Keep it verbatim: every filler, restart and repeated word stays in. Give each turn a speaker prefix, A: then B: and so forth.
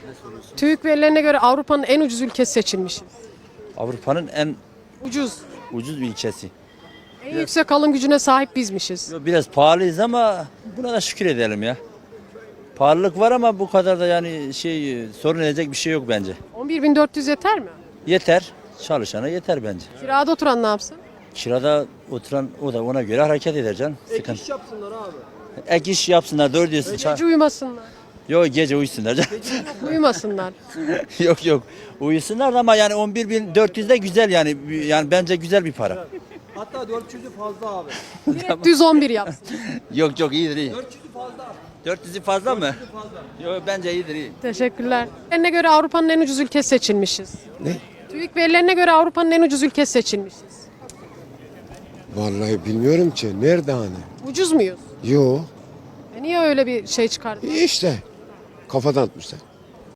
A: TÜİK verilerine göre Avrupa'nın en ucuz ülkesi seçilmişiz.
B: Avrupa'nın en
A: Ucuz.
B: ucuz bir ilçesi.
A: En yüksek alım gücüne sahip bizmişiz.
B: Yo, biraz pahalıyız ama buna da şükür edelim ya. Pahalılık var ama bu kadar da yani şey sorun edecek bir şey yok bence.
A: on bir bin dört yüz yeter mi?
B: Yeter. Çalışana yeter bence.
A: Kirada oturan ne yapsın?
B: Kirada oturan o da ona göre hareket eder canım.
C: Ek iş yapsınlar abi.
B: Ek iş yapsınlar doğru diyorsun. Ça-
A: Gece uyumasınlar.
B: Yok gece uyusunlar canım.
A: Uyumasınlar.
B: yok yok uyusunlar ama yani on bir bin dört yüz de güzel yani yani bence güzel bir para.
C: Hatta dört yüzü fazla abi.
A: Direkt düz on bir yapsın.
B: yok yok iyidir iyi.
C: dört yüzü fazla.
B: dört yüzü fazla mı?
C: Fazla.
B: Yok bence iyidir iyi.
A: Teşekkürler. Verilerine göre Avrupa'nın en ucuz ülkesi seçilmişiz.
D: Ne?
A: TÜİK verilerine göre Avrupa'nın en ucuz ülkesi seçilmişiz.
D: Vallahi bilmiyorum ki. Nerede hani?
A: Ucuz muyuz?
D: Yo.
A: E niye öyle bir şey çıkardın?
D: İşte. Kafadan atmışlar.